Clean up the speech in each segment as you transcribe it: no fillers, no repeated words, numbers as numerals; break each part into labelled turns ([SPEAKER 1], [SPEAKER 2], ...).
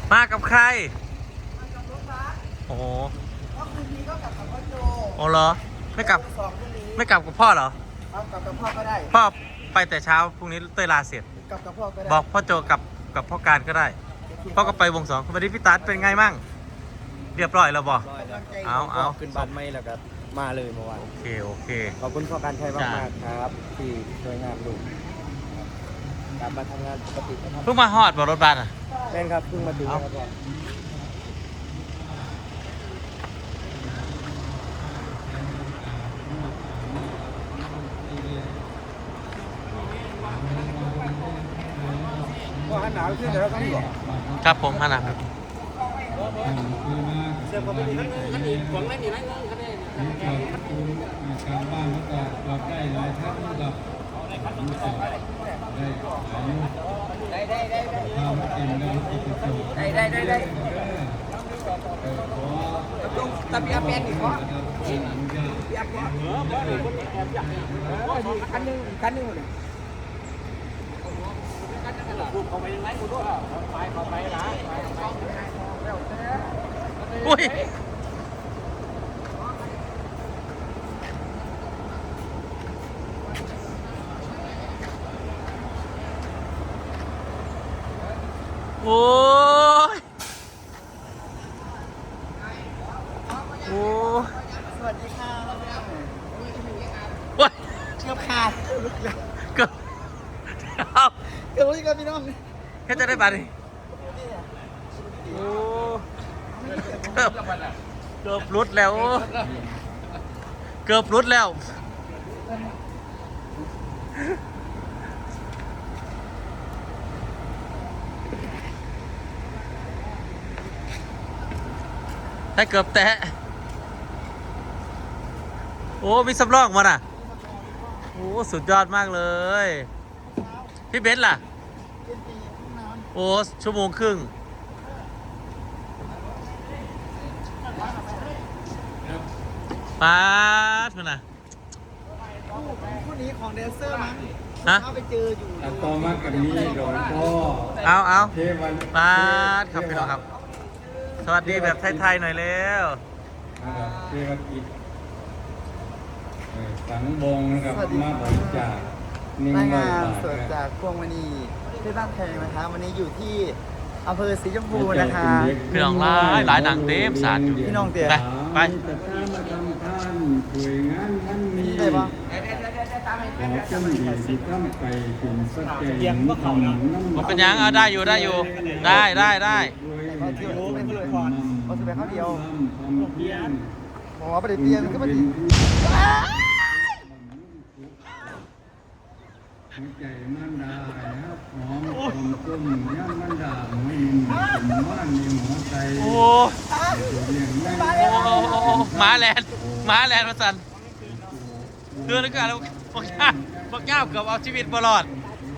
[SPEAKER 1] มากับใคร
[SPEAKER 2] มากับรถบัส
[SPEAKER 1] โอ้โห
[SPEAKER 2] ก็คืนนี้ก็กลับกับพ่อโจ
[SPEAKER 1] โอ้เหรอไม่กลับ
[SPEAKER 2] สองคืนนี้
[SPEAKER 1] ไม่กลับกับพ่อเหรอ
[SPEAKER 2] เอากลับกับพ่อก็ได้
[SPEAKER 1] พ่อไปแต่เช้าพรุ่งนี้เต้ยลาเสร็จ
[SPEAKER 2] กลับกับพ่อก็ได้
[SPEAKER 1] บอกพ่อโจกับพ่อการก็ได้พ่อก็ไปวงสองวันนี้พี่ตั๊ดเป็นไงมั่งเรียบร้อยแล้วบอกเอา
[SPEAKER 3] ขึ้นบ้านไม่แล้วก็มาเลยเมื่อวาน
[SPEAKER 1] โอเค
[SPEAKER 3] ขอบคุณพ่อการชัยมากๆครับที่ช่วยงานลูกกลับมาทำงานปกติ
[SPEAKER 1] เพิ่งมาฮอดบนรถบัสอ่ะ
[SPEAKER 3] แม่นครับเพิ่งมาถึงครับพ่อหันหนาวขึ้นแล้วก็นี่บอก
[SPEAKER 1] ครับผมฮะนะครับ
[SPEAKER 3] เสื้อผมไม่มีนั่นอีกผมไม่มีนั่น
[SPEAKER 4] การบ้านก็ตอบได้หลายท่านกับรู้สึกได้หลายข้าวเต็มแล้วก็ไปส่ง
[SPEAKER 2] ได้แต่พี่อาเป็นอีกเพราะพี่อาเป็นคันนึงเลย
[SPEAKER 1] อุ้ยโอ้ยโอ้
[SPEAKER 2] สวัสดีค่ะ
[SPEAKER 1] ว้ย
[SPEAKER 2] เกือบขาด
[SPEAKER 1] เกือบ
[SPEAKER 2] เลยครับพี่น้อง
[SPEAKER 1] แค่จะได้บัตรโอ้เกือบรุดแล้วเกือบรุดแล้วถ้าเกือบแตะโอ้มีสำรองมาน่ะโอ้สุดยอดมากเลยพี่เบนซ์ล่ะโอ้ชั่วโมงครึ่งป๊าดมันน่ะ
[SPEAKER 2] คู่นี้ของแดนเซอร์มั้ง
[SPEAKER 1] ฮะ
[SPEAKER 2] เขาไปเจออยู่
[SPEAKER 4] ต่อมากับนี้โดยพ่อ
[SPEAKER 1] เอาป๊าดครับพี่น้องครับสวัสดีแบบไทยๆหน่อยเร็ว
[SPEAKER 4] เทวกิจสังวงนะครับมาบริจาค
[SPEAKER 2] รายงานสดจากพวงมณีที่บ้านแพงนะคะวันนี้อยู่ที่อำเภอสีชมพูนะคะ
[SPEAKER 1] พี่น้องหลายหนังเต็มสารอยู่
[SPEAKER 2] พี่น้องเตี๋ย
[SPEAKER 1] ไป
[SPEAKER 4] มาทำท่านช่วยงานท่านนี้
[SPEAKER 2] ได้ปะ
[SPEAKER 4] ขอจำดีสิทำไปถึงสักแก่ทำ
[SPEAKER 1] มันเป็นยังได้อยู่ได้
[SPEAKER 2] เขาเที่ยวไม่เคยพอเขาจะไปข้าวเดียวหมอประเดี๋ยวก็มาดี
[SPEAKER 4] หัวใจมันดาครับหอมต้มย่างมันดาไม่มีบ้านมีหมอใจ
[SPEAKER 1] โอ้ม้าแลนมาสั่นเดือนนึงก็แล้วพวกเจ้าเกือบเอาชีวิตบอลอด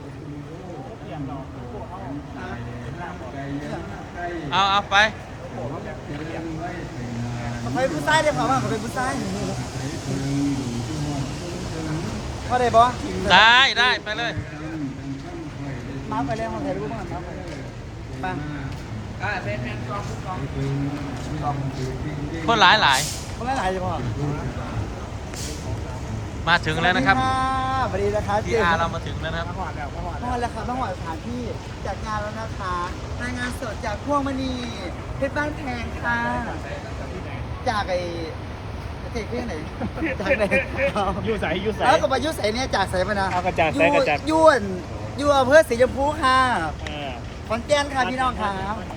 [SPEAKER 1] เอาไป
[SPEAKER 2] เขาเป็นผู้ชายได้เปล่าเขาเป็นผู้ชายพอได้ปะ
[SPEAKER 1] ได้ไปเลย
[SPEAKER 2] มาไปเลยมาถ่ายรูปมาไป
[SPEAKER 1] คนหลาย
[SPEAKER 2] คนหลายจะพอ
[SPEAKER 1] มาถึงแล้วนะครับ
[SPEAKER 2] สวัสดีนะคะ
[SPEAKER 1] ที่เรามาถึงแล้วนะครับ
[SPEAKER 2] มาหอดแล้วครับมาหอดสถานที่จัดงานแล้วนะคะรายงานสดจากพวงมณีเพชรบ้านแพงค่ะจากไอ้เจ๊เรื่องไหนจากไหน
[SPEAKER 3] ยูใส
[SPEAKER 2] แล้วก็มายุใสเนี่ยจากใสมานะ
[SPEAKER 3] กระจาดใสกระจาด
[SPEAKER 2] ยุ่อำเภอสีชมพูค่ะขอนแก่นค่ะพี่น้องค่ะ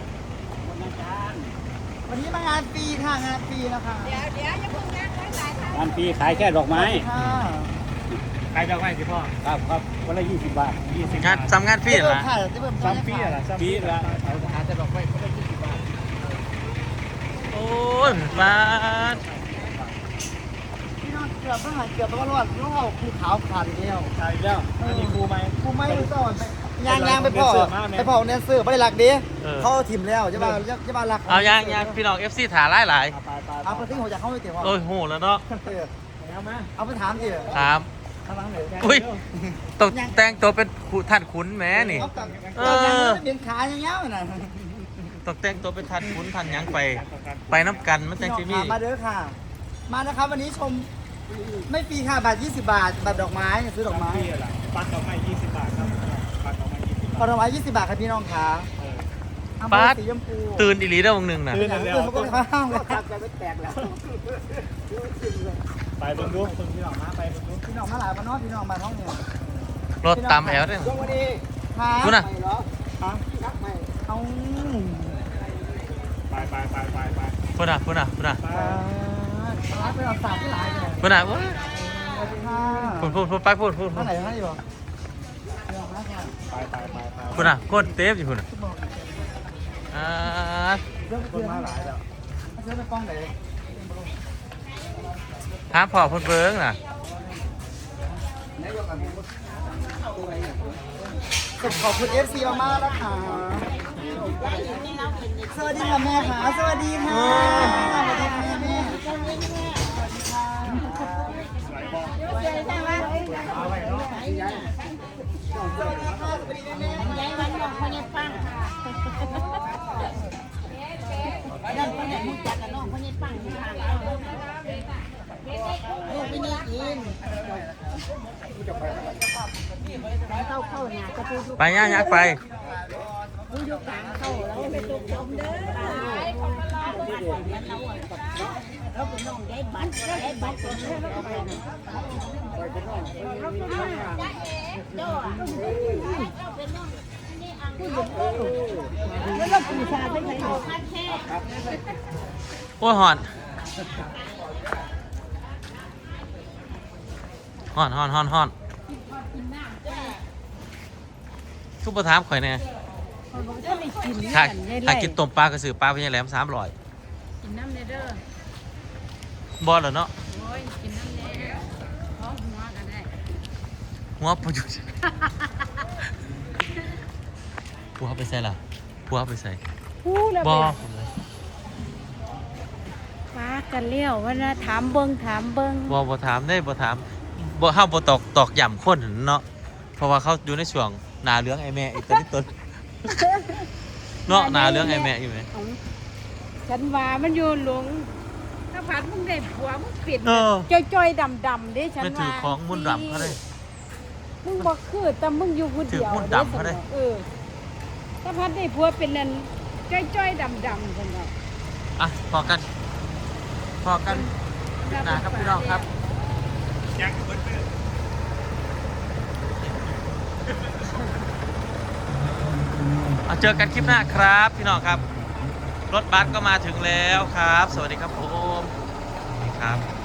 [SPEAKER 2] วันนี้มางานฟรีค่ะงานฟรีนะคะ
[SPEAKER 5] เดี๋ยวอย่าเพิ่ง
[SPEAKER 3] งานฟรีขายแค่ดอกไม้
[SPEAKER 1] ขายดอกไม้สิพ่อ
[SPEAKER 3] ครับวันละ20 บาท
[SPEAKER 1] งานทำงานฟรีเหรอ
[SPEAKER 3] ซ้ำฟรีเหรอซ้ำฟรีละเอาหาแต่ดอกไม้คนละ20 บาท
[SPEAKER 1] โอ้ยบาท
[SPEAKER 2] พี่น้องเกือบต้องรอดลูกเขาคือขาวขาดเดียว
[SPEAKER 3] ใช่แล้วอันนี้ครูไหม
[SPEAKER 2] สอนยางไปพ่อเนเซอร์ไม่ได้รักดิเขาถิ่มแล้วจะมารัก
[SPEAKER 1] เอายางพี่น้อง FC ถ่ายหลาย
[SPEAKER 2] เอาไปที่หัวใจเขาไม่เตี๋ยว
[SPEAKER 1] โอ้ยโหแล้วเนาะ
[SPEAKER 2] เอาไปถามสิ
[SPEAKER 1] ถามอุ้ยตกแต่งตัวเป็นท่านขุนแม่นี่
[SPEAKER 2] เบียนขาอย่างเงี้ยน่ะ
[SPEAKER 1] ต้องแต่งตัวไปทันขุนทันหยังไปน้ำกันมันแต่งที่
[SPEAKER 2] พี่
[SPEAKER 1] นี่
[SPEAKER 2] น้องค่ะมาเด้อค่ะ มานะครับวันนี้ชมไม่ฟรีค่ะบาท20 บาทบัตรดอกไม้ซื้อดอกไม้
[SPEAKER 3] พี่อะไรปัดดอกไม้20 บาทครับปัดดอกไม้20 บาท
[SPEAKER 2] บัตรดอกไม้20 บาทครับพี่น้องค่ะอำเภอสีชมพู
[SPEAKER 1] ตื่นอีหลีได้วงหนึ่งนะ
[SPEAKER 3] ตื่น
[SPEAKER 2] ตื่นเขาก็ไม่ห้ามเลยครับ
[SPEAKER 3] ไปเบิ่งดูเบิ่งพี่น้องมาไปเบิ่งดู
[SPEAKER 2] พี่น้องมาหลายมานอกพี่น้องมาท้องเนี่ย
[SPEAKER 1] รถตามแอลด้วย
[SPEAKER 2] ช่วงวันนี้ค่ะ
[SPEAKER 1] นู่นน่ะ
[SPEAKER 2] ฮะเอา
[SPEAKER 3] ไป
[SPEAKER 1] พูดนะ
[SPEAKER 2] ร้านไปเอาสามที่หลายเลย
[SPEAKER 1] พูดนะว้า
[SPEAKER 2] สวัสดีค่ะ
[SPEAKER 1] พูดไปพูด
[SPEAKER 2] ท่านไหนท่านอยู่พี่น้องมาค่ะ
[SPEAKER 3] ไป
[SPEAKER 1] พูดนะโคตรเต็มอยู่พูดนะอ่า
[SPEAKER 2] เรื่อง
[SPEAKER 3] คนมาหลายแล้ว
[SPEAKER 2] เรื่องไปป้องไหน
[SPEAKER 1] ถามพ่อเพิ่นเบิ้งน่ะ
[SPEAKER 2] ขอบคุณ FC มากๆนะคะสวัสดีค่ะแม่ค่ะสวัสดีค่ะสวัสดีค่ะแม่สวัสดีค่ะ
[SPEAKER 5] นั่นคนไหนมุจักกับน้องคนนี้ปังทางลูกไม่ได้กินเข้าหนาจะพูด
[SPEAKER 1] ไปย่างยักไป
[SPEAKER 5] พูดยกกลางเข้าแล้วไปตกจมเด้อเราเป็นน้องได้บัตรเป็นน้องไปนะเจ้าเป็นน้องนี่อังแล้วเราปีชาไม่ใช่เขาคัดแค่
[SPEAKER 1] โอ้ยหอนทุกประถามข่อยแน่ถ้ากินต้มปลากระสือปลาพญาแหลม300
[SPEAKER 5] กินน้ำเด้อบ
[SPEAKER 1] อลเหรอเนาะ
[SPEAKER 5] โอ้ยกินน้ำเด้อพร้อมหัวกันได้
[SPEAKER 1] หัวประยุทธ์ผัวไปใส่ล่ะผัวไปใส่
[SPEAKER 5] พูดแล้ว
[SPEAKER 1] บอ
[SPEAKER 5] ฟ้ากันเลี้ยวว่านะถามเบิ้ง
[SPEAKER 1] บ่ถามได้บ่ถามบ่เฮาบ่ตอกย่ำคนเนาะเพราะว่าเขาอยู่ในช่วงหนาเรื่องไอ้แม่อีกตัวนี้ต้นเนาะหนาเรื่องไอ้แม่อยู่ไหม
[SPEAKER 5] ฉันว่ามันอยู่หลงถ้าผัดมึงได้ผัวมึงปิด
[SPEAKER 1] เออ
[SPEAKER 5] จ้อยๆดำๆเด้ฉัน
[SPEAKER 1] ไม่
[SPEAKER 5] ว่า
[SPEAKER 1] ถือของมุ่นต์ดำเขาเลย
[SPEAKER 5] มึงบอกคือแต่มึงอยู่คนเดียว
[SPEAKER 1] ถือมุ่นต์ดำเขาเลย
[SPEAKER 5] ถ้าผัดได้ผัวเป็นนั่นจ้อยๆดำๆฉันว่า
[SPEAKER 1] อ่ะพอกันคลิปหน้าครับพี่น้องครับ
[SPEAKER 3] ยังกับเบิ้ล
[SPEAKER 1] เอาเจอกันคลิปหน้าครับพี่น้องครับ รถบัสก็มาถึงแล้วครับ สวัสดีครับผมนี่ครับ